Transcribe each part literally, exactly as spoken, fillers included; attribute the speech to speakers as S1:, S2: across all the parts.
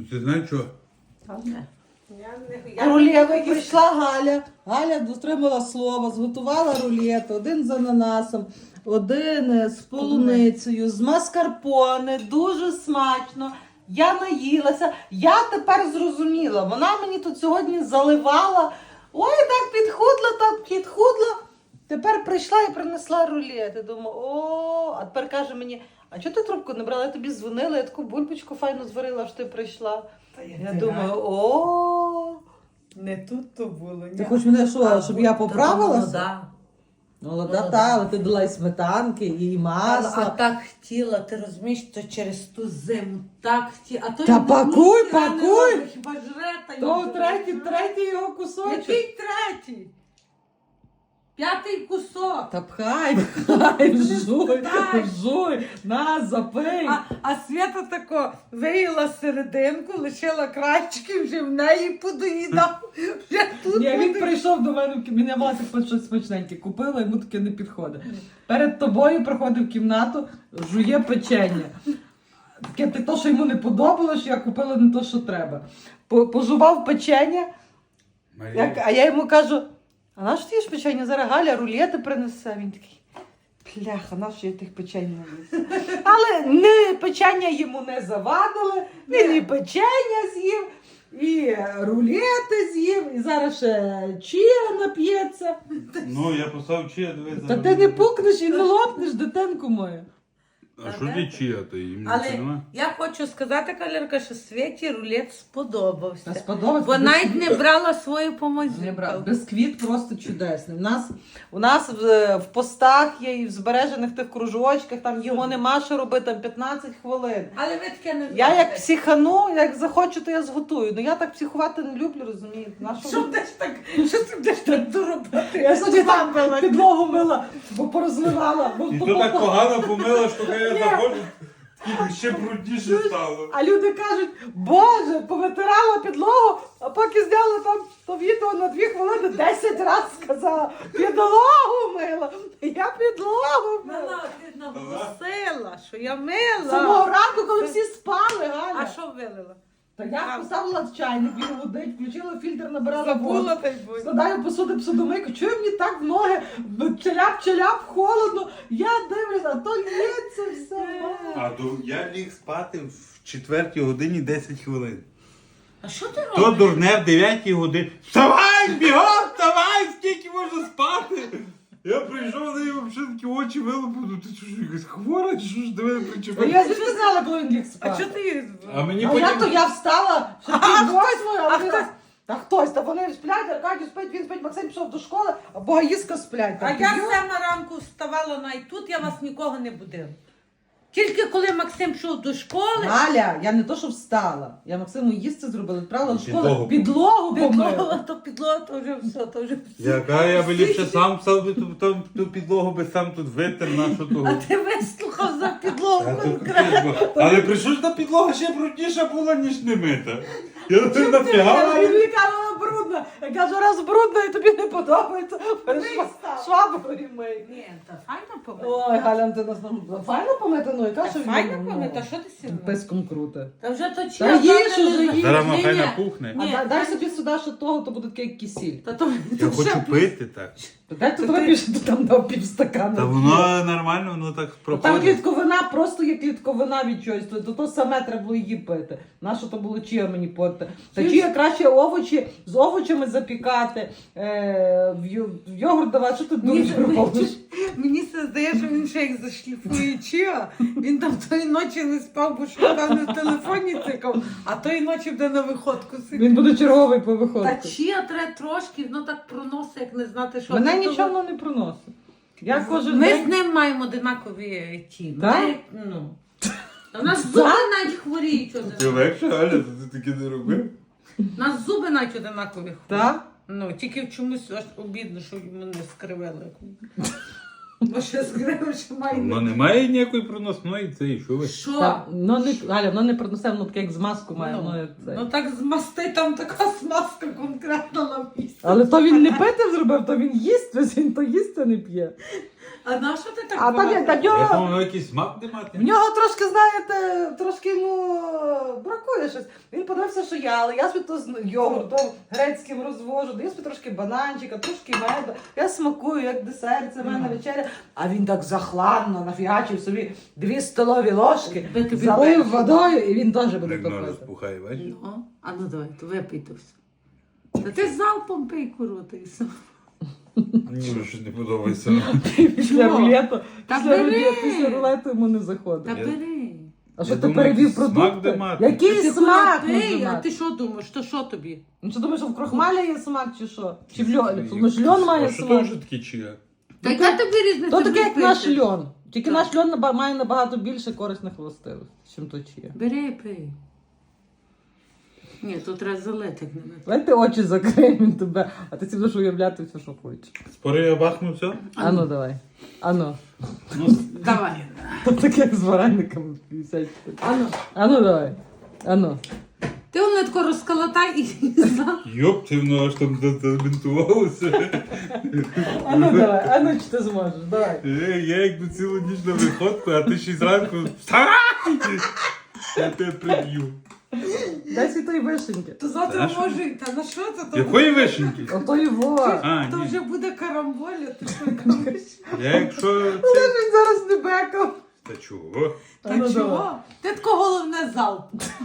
S1: Ти знаєш що?
S2: Рулет прийшла Галя. Галя дотримала слова, зготувала рулет, один з ананасом, один з полуницею, з маскарпоне, дуже смачно. Я наїлася. Я тепер зрозуміла, вона мені тут сьогодні заливала. Ой, так підхудла, так підхудла. Тепер прийшла і принесла рулет. Я думаю, о, а тепер каже мені, а чого ти трубку не брала? Я тобі дзвонила, я таку бульбочку файно зварила, що ти прийшла. Я думаю, о,
S3: не тут то було.
S2: ти хочеш мене що, щоб я поправилася?
S3: Молода.
S2: Молода, та, але ти дала і сметанки, і
S3: А,
S2: масла.
S3: а так хотіла, ти розумієш, то через ту зиму так хотіла. А то
S2: Та
S3: я
S2: пакуй,
S3: ніхіра не
S2: пакуй!
S3: роблю, хіба жре та
S2: То
S3: їй
S2: третій,
S3: жре.
S2: третій його кусочок.
S3: Який третій? П'ятий кусок.
S2: Та пхай, пхай, жуй,
S3: Так.
S2: жуй, на, запий.
S3: А, а Свята тако виїла серединку, лишила крайчики, вже в неї подоїдав. Вже тут
S2: Ні, він
S3: буде.
S2: прийшов до мене в кімнату, мене мати щось смачненьке купила, йому таке не підходить. Перед тобою приходив в кімнату, жує печення. Таке те, то, що йому не подобалось, що я купила не то, що треба. По- Пожував печення,
S1: Марія.
S2: як, а я йому кажу, а на що ти їш печення? Зараз Галя рулети принесе. Він такий, пляха, на що я тих печень не їм? Але не, печення йому не завадили, він і печення з'їв, і рулети з'їв, і зараз ще чия нап'ється.
S1: Ну, я поставив чия, дивись.
S2: Та
S1: зараз
S2: ти не
S1: буде.
S2: пукнеш і не лопнеш, дитинку мою.
S1: А що ти чия, то їм
S3: Але
S1: нічого нема?
S3: я хочу сказати, Калерка, що Світі рулет сподобався.
S2: Та сподобається.
S3: Бо навіть не брала свою помазюку.
S2: Не брав. Бисквіт просто чудесний. У нас, у нас в, в постах є і в збережених тих кружочках, там його нема що робити, там п'ятнадцять хвилин.
S3: Але ви таке не
S2: Я як
S3: зробите.
S2: психану, як захочу, то я зготую. Ну я так психувати не люблю, розумієте? На що
S3: Що
S2: ви-
S3: будеш так, що ти будеш так доробити?
S2: Я собі там підлогу мила, бо порозливала. Бо,
S1: І
S2: бо-
S1: то так
S2: бо-
S1: погано помила, що коли я заходжу, тільки ще брудніше стало.
S2: А люди кажуть, боже, повитирала підлогу, а поки зняла там то відео на дві хвилини десять разів сказала, підлогу мила. Я підлогу мила.
S3: Мила, ти наголосила, що я мила.
S2: Самого ранку, коли всі спали, Галя.
S3: А що вилила?
S2: Та я поставила чайник, він гудить, включила фільтр, набирала воду.
S3: Забула та й будь.
S2: Складаю посуди посудомийку, чую мені так в ноги, челяп-челяп, холодно. Я дивлюся, а то лється все.
S1: А то я ліг спати в четвертій годині десять хвилин.
S3: А що ти
S1: То
S3: робиш?
S1: дурне в дев'ятій годині. Вставай, бігом, вставай, скільки можна спати? Я прийшов, на неї взагалі такі очі вилупив, ну ти що, ж, якась хвора, чи що ж до мене
S2: А
S1: причепив?
S2: я звідки знала, коли він ліг
S3: А
S2: спати.
S3: що ти її
S1: А мені
S2: А я то
S1: потім...
S2: я встала, що ти восьмою, а
S3: а
S2: вони
S3: хтось-
S2: раз- Та хтось, та вони сплять, Аркадій спить, він спить, Максим пішов до школи, а Богаїска сплять.
S3: А
S2: Так,
S3: я
S2: йо.
S3: сама ранку вставала навіть тут, я вас нікого не будила. Тільки коли Максим пішов до школи,
S2: Галя, я не то, що встала. Я Максиму їсти зробила, відправила в школу,
S1: Підлогу.
S2: підлогу
S3: підлога,
S2: помила.
S3: то підлога, то вже все, то вже все.
S1: Яка я би ліпше сам встав би ту, ту, ту підлогу би сам тут витер нашу того.
S3: А ти вислухав за
S1: Та
S3: підлогу
S1: то
S3: конкретно.
S1: капець, бо- Але прийшов ж та підлога ще брудніша була, ніж не мита. Я тут
S2: Я
S1: нафігала.
S2: тобі кажу, вона брудна. Я кажу, раз брудна і тобі не подобається,
S3: став.
S2: шваброю мий.
S3: Ні, та файно помити.
S2: Ой, Галя, ти нас нам файно помити, ну яка що він,
S3: Файно
S2: ну,
S3: помити, а що ти сіла?
S2: Писком круте.
S3: Та вже то
S2: Та
S3: чия,
S2: їж
S3: завтра
S2: уже,
S3: не-
S2: їж.
S1: Зараз
S3: Ні,
S1: махай
S3: ні.
S1: напухне.
S2: А
S3: Ні,
S2: дай, дай
S3: так.
S2: собі сюди ще того, то буде таке як кисіль.
S3: Та то
S1: Я
S3: то
S1: хочу
S3: вже-
S1: пити так.
S2: Дай тут тобі більше ти там дав півстакана.
S1: Та воно нормально, воно так
S2: Там
S1: проходить.
S2: клітковина, просто є клітковина від чогось, то, то, то саме треба було її пити. Нащо то було чия мені пити? Та
S3: Чим?
S2: чия краще овочі з овочами запікати, е, в, ю- в йогурт давати, що ти
S3: Мені,
S2: дуже робиш?
S3: мені все здає, що він ще як зашліфує чия. Він там тої ночі не спав, бо що певно в телефоні цикав, а тої ночі буде на виходку сидіти.
S2: Він буде черговий по
S3: Та
S2: виходку.
S3: чия треба трошки, воно так проносить, як не знати, що.
S2: Мене
S3: Тобто
S2: нічого не проносить. Я кожен
S3: Ми
S2: день...
S3: з ним маємо одинакові ті.
S2: Да?
S3: Ми, ну. У нас зуби навіть хворіють.
S1: Ти
S3: одинакові.
S1: легше, Галя, то ти таке не робив?
S3: У нас зуби навіть одинакові хворіють.
S2: Так?
S3: Ну, тільки в чомусь аж обідно, що йому не скривили. Бо ще скривив, що має.
S1: Воно немає ніякої проносної, це і що ви?
S3: Що?
S2: Так, ну, не, Галя, воно не принесе, воно таке як змазку має.
S3: Ну,
S2: воно як це.
S3: ну так змасти, там така смазка конкретно на місці.
S2: Але то він не пити зробив, то він їсть, ось він то їсть, а не п'є.
S3: А на що ти так
S2: А там є
S3: багато?
S2: та
S1: Я
S2: нього,
S1: думав, якийсь смак не мати.
S2: в нього трошки, знаєте, трошки йому бракує щось. Він подивився, що я, але я собі то з йогуртом грецьким розвожу, даю собі трошки бананчика, трошки меду. Я смакую, як десерт, це в мене вечеря. А він так захладно нафігачив собі дві столові ложки,
S3: Ви тобі
S2: залив
S3: бачите.
S2: водою і він теж буде
S1: Так воно
S2: топити.
S1: розпухає, бачиш?
S3: Ну, а ну давай, то випий то все. Та ти залпом пий куру, і все.
S1: Мені вже щось не подобається.
S2: Після
S3: Чого?
S2: рулету,
S3: Та
S2: після
S3: бери!
S2: рулету, після рулету йому не
S3: Та
S2: заходить.
S1: Я-
S3: бери.
S2: А що
S1: Я
S2: ти
S1: думаю,
S2: перевів
S1: якийсь смак
S2: продукти?
S1: де мати.
S2: Який
S3: Ти
S2: смак
S3: куди пий,
S2: може
S3: а
S2: мати?
S3: ти що думаєш, то що тобі?
S2: Ну що думаєш, що в крохмалі є смак чи що? Чи в льоні? Ну ж льон має
S1: А що то
S2: смак.
S1: вже таке чия?
S3: Та яка тобі різниця?
S2: То таке, як
S3: Тобі
S2: наш
S3: пити.
S2: льон. Тільки
S3: Так.
S2: наш льон наба- має набагато більше корисних властивостей, чим то чия.
S3: Бери, пий. Ні, тут треба залити. як не
S2: Давай ти очі закрий, він тебе, а ти собі будеш уявляти все, що хочеш.
S1: Спори я бахну все?
S2: А ну давай. А ну.
S1: Ну,
S3: Давай.
S2: То таке як з варениками п'ятдесят.
S3: А ну.
S2: А ну давай. А ну.
S3: Ти воно тако розколотай і за.
S1: йоп, ти воно аж там забінтувалося.
S2: А ну давай. А ну чи ти зможеш? Давай.
S1: Я, я якби цілу ніч на виходку, а ти ще й зранку вставай! Я тебе приб'ю.
S2: Дай свій той вишеньки.
S3: То завтра
S1: Та що?
S3: може, та на що це? То,
S1: Якої вишеньки?
S2: Ото його.
S1: А,
S3: то
S1: ні.
S3: вже буде карамболя, ти що кажеш?
S1: Я якщо це...
S2: Та ж він зараз не бекав.
S1: Та чого?
S2: А
S3: Та
S2: ну давай.
S3: чого? Ти тако головне залп.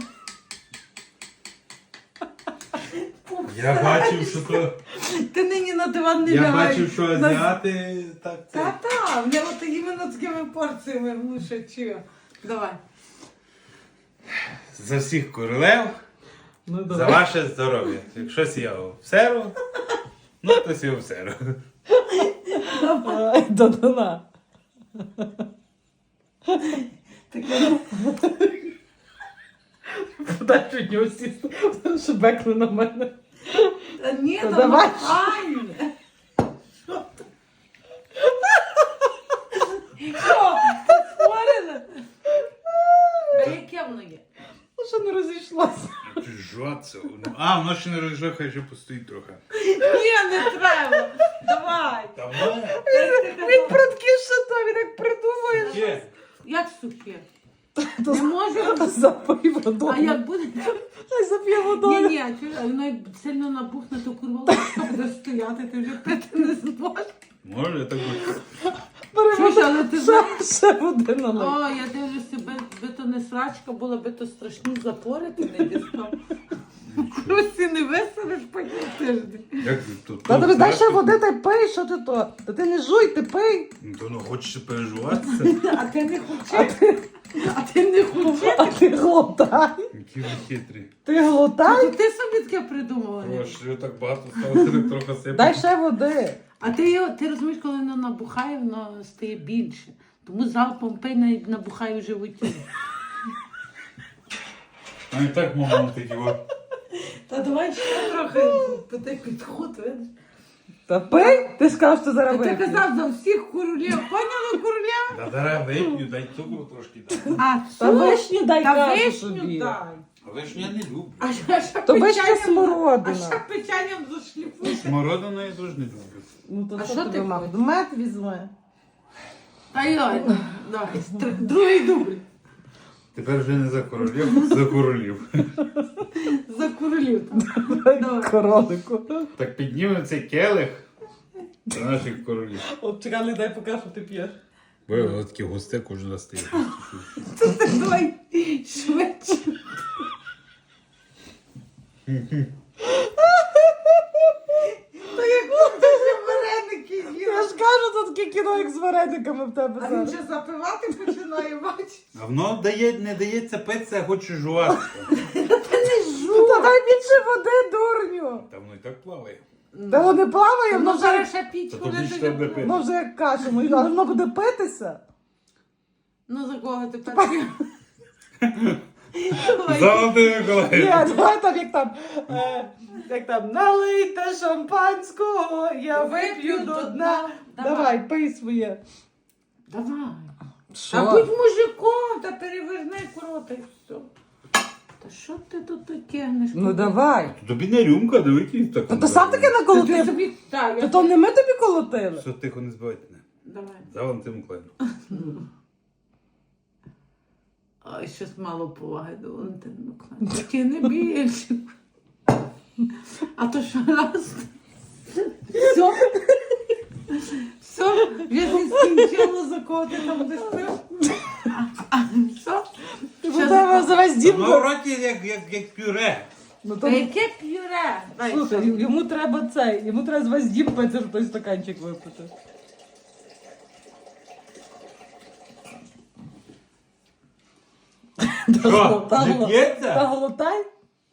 S1: Я бачив, що то...
S3: Ти нині на диван не
S1: Я
S3: лягай.
S1: бачив, що
S3: На-
S1: азіати так це...
S3: Та-та, в нього от іменно такими порціями внушать чого. Давай.
S1: За всіх королев,
S2: Ну
S1: за
S2: давай.
S1: ваше здоров'я. Якщо сіяв в серу, ну то сіяв в серу.
S2: Ай, до дна.
S3: Таке.
S2: Подай від нього сісти, що бекне на мене.
S3: Та ні,
S2: Та
S3: та
S2: давай.
S3: нормальне. Що? Ти створена? А яке воно є?
S2: Ну що не розійшлося.
S1: Жаться. А, воно ще не розжив, хай ще постоїть трохи.
S3: Ні, не треба. Давай.
S1: Давай.
S2: Він прудкіше то, він як придумує.
S1: Є.
S3: Як сухе? Не може.
S2: Запий водою.
S3: А як буде?
S2: Хай зап'є
S3: Ні,
S2: водою.
S3: ні, а чого? А воно як сильно набухне, то курва ложка буде стояти, ти вже пити не зможеш.
S1: Може, я так би...
S2: Бери
S3: Чуєш,
S2: воду,
S3: але ти
S2: ще,
S3: знаєш-
S2: ще води налий.
S3: О, я дивлюся, би, би то не срачка була, би то страшні запори ти не дістав. Крусі не веселиш потім тиждень.
S1: Як ти тут?
S2: Та тобі дай ще води, та й пий, що ти то? Та ти не жуй, ти пий.
S1: Ну, то ну хочеш переживатися?
S3: А ти не хочеш? А ти не хочеш?
S2: А ти глотай.
S1: Які ви хитрі.
S2: Ти глотай.
S3: То ти собі таке придумала.
S1: О, що я так багато стало, так трохи сипати.
S2: Дай ще води.
S3: А ти, його- ти розумієш, коли воно набухає, воно стає більше. Тому залпом пий навіть набухає в животі.
S1: А і так мама такі от.
S3: Та давай ще трохи ти підход, видиш.
S2: Та пий. Ти сказав, що зараз
S3: Та ти
S2: вип'єш.
S3: казав за всіх королів. Поняла королів?
S1: Та зараз вип'ю, дай цукру трошки дай.
S3: А,
S2: Та
S3: цукру?
S2: вишню дай,
S3: Та
S2: кажу
S3: вишню
S2: собі.
S3: дай.
S1: Але ж я не люблю.
S3: А ще, ще
S2: То вишня
S3: печенням-
S2: смородина.
S3: А ще печенням зашліфуєш.
S1: Смородину я теж не люблю.
S2: Ну то
S3: А
S2: що
S3: що
S2: тобі
S3: ти
S2: мав?
S3: хочеш?
S2: Мед візьми.
S3: Та йой, ну, давай, стр- другий дубль.
S1: Тепер вже не за королів, за королів.
S3: За королів. Давай.
S2: Королику.
S1: Так піднімемо цей келих до наших королів.
S2: От чекай, дай покажу, що ти п'єш.
S1: Бо я таке густе кожен раз стає.
S3: Давай швидше. Та як ти ще вареники
S2: Я
S3: їла.
S2: ж кажу, тут таке кіно, як з варениками в тебе
S3: А він
S2: зараз.
S3: вже запивати починає, бачиш?
S1: А воно дає, не дається питися, а хоче жувати.
S3: Та не
S2: Ну, та дай більше води, дурню.
S1: Та воно і так плаває.
S2: Та воно не плаває, воно
S3: Воно
S2: вже,
S3: зараз ще піч
S1: Та
S3: буде
S1: тобі ж
S3: тобі
S1: треба
S3: плавати.
S1: пити.
S2: воно вже як каша, ну, але воно буде питися.
S3: Ну за кого ти перший? Давай.
S1: Золотий
S2: Ні,
S1: Миколай.
S2: давай там, як там, е, як там, налийте шампанського, я вип'ю до дна.
S3: Давай.
S2: Давай, пий своє.
S3: Давай.
S2: Що?
S3: Та будь мужиком, та переверни крота і все. Та що ти тут тягнеш?
S2: Ну давай.
S1: Тобі не рюмка, дивись так.
S2: Та ти сам таки
S3: Та ти
S2: наколотив.
S3: собі, так,
S2: Та
S3: я...
S2: то не ми тобі колотили.
S1: Все, тихо, не збивайте мене.
S3: Давай.
S1: За Валентин Миколаївну.
S3: Ой, щось мало поваги до Валентина Миколаївна. Такі не більше. А то що раз? Все? Все? Вже не скінчило, за кого ти там будеш пив? Все?
S2: Ти
S3: Що
S2: тебе за весь дім.
S1: Ну, в роті як, як, як пюре.
S2: Ну,
S3: Та
S2: то...
S3: яке п'юре? Дай,
S2: Слухай,
S3: що?
S2: йому треба цей, йому треба з весь дім пити, щоб той стаканчик випити.
S1: Що,
S2: Та
S1: не
S2: голо-
S1: п'ється?
S2: Та голотай.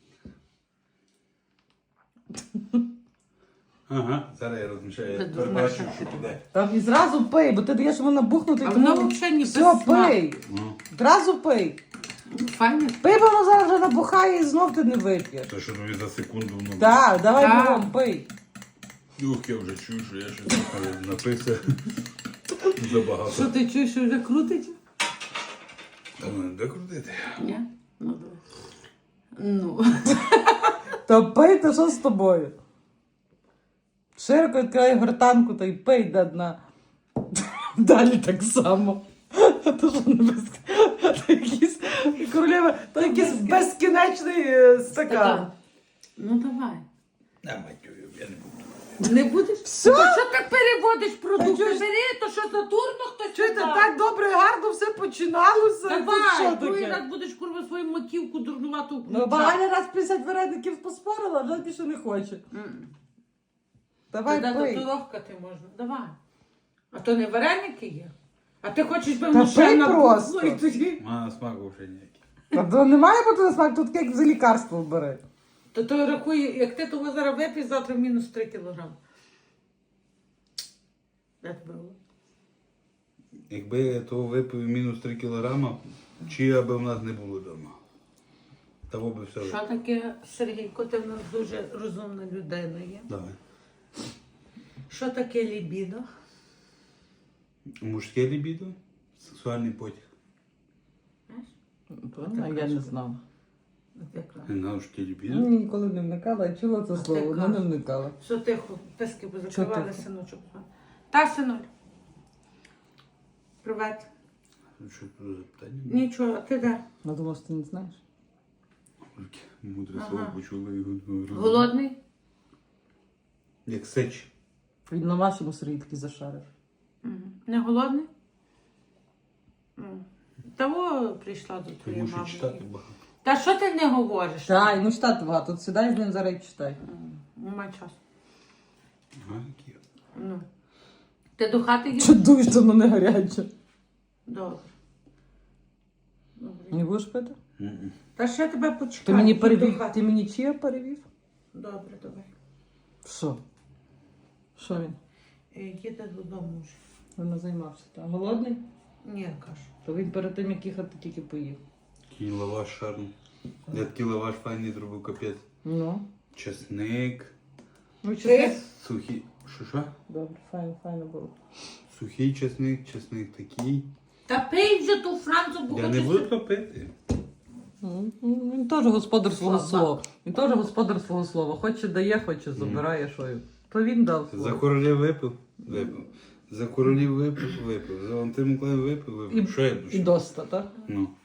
S1: Ага, зараз я розмішаю.
S3: Це
S1: Я
S3: дурна
S1: перебачу,
S3: штука.
S1: що буде.
S2: Там і зразу пий, бо ти даєш йому набухнути.
S3: А
S2: тому-
S3: воно взагалі не
S2: Все,
S3: без смаку.
S2: пий.
S1: Ну,
S2: Зразу пий.
S3: Файне.
S2: Пий, бо воно зараз вже набухає і знов ти не вип'єш.
S1: то що тобі за секунду воно.
S2: Так, давай
S3: Так.
S2: бігом, пий.
S1: Ух, я вже чую, що я щось таке написав. Забагато.
S3: Що ти чуєш, що вже крутить?
S1: Та мене де крутити?
S3: Ні? Ну, давай. Ну.
S2: Та пий, та що з тобою? Широко відкривай гортанку та й пий до дна. Далі так само. То що не без... То якийсь, королева, то якийсь безкінечний е, стакан.
S3: Така. Ну давай.
S1: На матюю, я не буду.
S3: Не будеш?
S2: Все?
S3: То що так переводиш продукти?
S2: чого ж-
S3: Бери, то що за дурно хтось
S2: Чуєте,
S3: сказав?
S2: так добре, гарно все починалося. Тут що
S3: Давай, другий
S2: таке?
S3: раз будеш курва свою маківку дурнувату
S2: Ну,
S3: включати.
S2: Багаля раз п'ятдесят вареників поспорила, а вже більше не хоче.
S3: М.
S2: Давай
S3: Тоді
S2: пий.
S3: татуровкати можна. Давай. А то не вареники є. А ти хочеш би
S2: Та
S3: машина
S2: пий просто.
S3: і тоді.
S1: А смаку вже ніякий.
S2: Та то немає бути на смак, тут як за лікарство бери.
S3: То той рахує, як ти того зараз вип'єш, завтра мінус три кілограми. Де тебе було?
S1: Якби я того випив мінус три кілограма, чи аби в нас не було вдома. Того би все.
S3: Що таке, Сергійко, ти в нас дуже розумна людина є.
S1: Давай.
S3: Що таке лібідо?
S1: Мужське лібідо, сексуальний потяг.
S3: Знаєш?
S2: Я не знала.
S3: От якраз.
S1: Не знав, що таке лібідо.
S2: Ну, ніколи не вникала, я чула це
S3: А
S2: слово,
S3: ти
S2: але не
S3: кажеш.
S2: вникала.
S3: Все тихо, писки позакривали,
S2: тихо?
S3: синочок. Та, синуль. Привет.
S1: Що це за запитання?
S3: Нічого, а ти де?
S2: Я думала, що ти не знаєш.
S1: Тільки Мудре
S3: Ага.
S1: слово почула його.
S3: Голодний?
S1: Як сеч.
S2: Він на вашому Сергій такий зашарив.
S3: Мгм. Не голодний? М. Того прийшла до твоєї
S1: Тому що читати
S3: мами.
S1: багато.
S3: Та що ти не говориш?
S2: Так, ну читати багато. Тут сідай з ним зараз і читай.
S3: М, Нема часу.
S1: Ага, які.
S3: Ну. Ти до хати їдеш?
S2: Чудуєш, що воно не гаряче.
S3: Добре. Добре.
S2: Не будеш пити?
S1: Мгм.
S3: Та ще тебе почекаю.
S2: Ти мені
S3: Їдь до
S2: перевів.
S3: хати.
S2: Ти мені чия перевів?
S3: Добре, давай.
S2: Що? Що він?
S3: Е, Їде додому вже.
S2: Він займався. Та голодний?
S3: Ні, кажу.
S2: То він перед тим, як їхати, тільки поїв.
S1: Такий лаваш шарм. Я такий лаваш файний зробив капець.
S2: Ну.
S1: Чесник.
S2: Ну,
S3: Ти?
S2: чесник.
S1: Сухий. Що що?
S2: Добре, файно, файно було.
S1: Сухий чесник, чесник такий.
S3: Та пий вже ту францу, бо
S1: Я не
S3: хочеш-
S1: буду топити.
S2: Ну, Він теж господар свого
S3: Слабак.
S2: слова. Він теж господар свого слова. Хоче дає, хоче забирає, що й. То він дав
S1: За
S2: слово.
S1: королів випив, випив. За королів випив, випив. За Валентин Миколаїв випив,
S2: І,
S1: випив. Що я
S2: і
S1: душу?
S2: доста, так?
S1: Ну.